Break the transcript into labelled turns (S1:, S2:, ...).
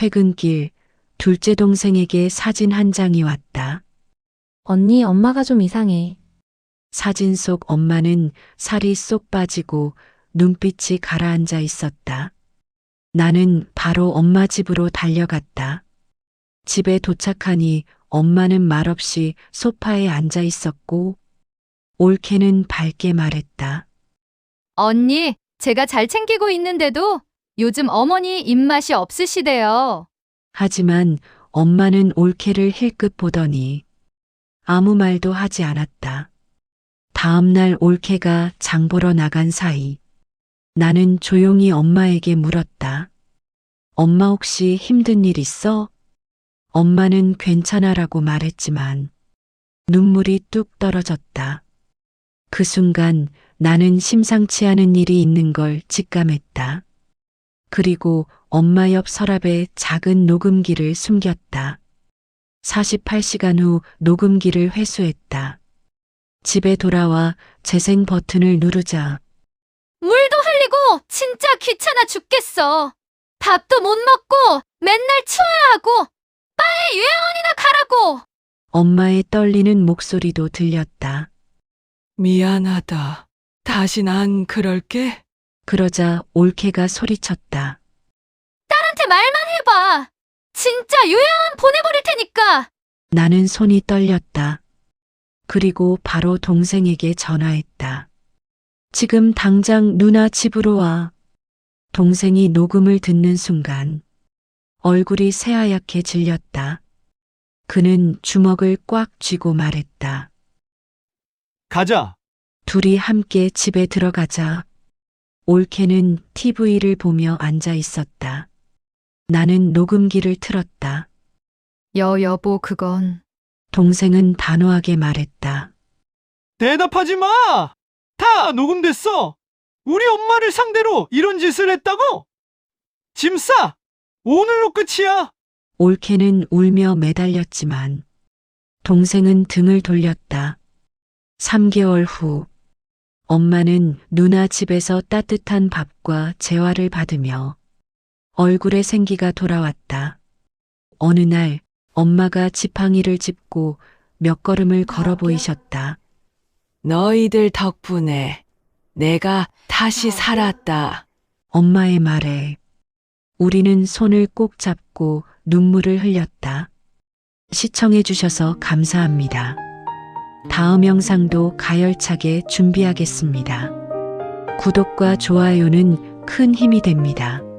S1: 퇴근길 둘째 동생에게 사진 한 장이 왔다.
S2: 언니, 엄마가 좀 이상해.
S1: 사진 속 엄마는 살이 쏙 빠지고 눈빛이 가라앉아 있었다. 나는 바로 엄마 집으로 달려갔다. 집에 도착하니 엄마는 말없이 소파에 앉아 있었고 올케는 밝게 말했다.
S3: 언니, 제가 잘 챙기고 있는데도 요즘 어머니 입맛이 없으시대요.
S1: 하지만 엄마는 올케를 힐끗 보더니 아무 말도 하지 않았다. 다음 날 올케가 장 보러 나간 사이 나는 조용히 엄마에게 물었다. 엄마 혹시 힘든 일 있어? 엄마는 괜찮아라고 말했지만 눈물이 뚝 떨어졌다. 그 순간 나는 심상치 않은 일이 있는 걸 직감했다. 그리고 엄마 옆 서랍에 작은 녹음기를 숨겼다. 48시간 후 녹음기를 회수했다. 집에 돌아와 재생 버튼을 누르자
S3: 물도 흘리고 진짜 귀찮아 죽겠어. 밥도 못 먹고 맨날 치워야 하고 빨리 요양원이나 가라고.
S1: 엄마의 떨리는 목소리도 들렸다.
S4: 미안하다. 다신 안 그럴게.
S1: 그러자 올케가 소리쳤다.
S3: 딸한테 말만 해봐. 진짜 요양원 보내버릴 테니까.
S1: 나는 손이 떨렸다. 그리고 바로 동생에게 전화했다. 지금 당장 누나 집으로 와. 동생이 녹음을 듣는 순간 얼굴이 새하얗게 질렸다. 그는 주먹을 꽉 쥐고 말했다.
S5: 가자.
S1: 둘이 함께 집에 들어가자. 올케는 TV를 보며 앉아 있었다. 나는 녹음기를 틀었다.
S3: 여보, 그건.
S1: 동생은 단호하게 말했다.
S5: 대답하지 마! 다 녹음됐어! 우리 엄마를 상대로 이런 짓을 했다고? 짐 싸! 오늘로 끝이야!
S1: 올케는 울며 매달렸지만 동생은 등을 돌렸다. 3개월 후 엄마는 누나 집에서 따뜻한 밥과 재화를 받으며 얼굴에 생기가 돌아왔다. 어느 날 엄마가 지팡이를 짚고 몇 걸음을 걸어 보이셨다.
S4: 너희들 덕분에 내가 다시 살았다.
S1: 엄마의 말에 우리는 손을 꼭 잡고 눈물을 흘렸다. 시청해 주셔서 감사합니다. 다음 영상도 가열차게 준비하겠습니다. 구독과 좋아요는 큰 힘이 됩니다.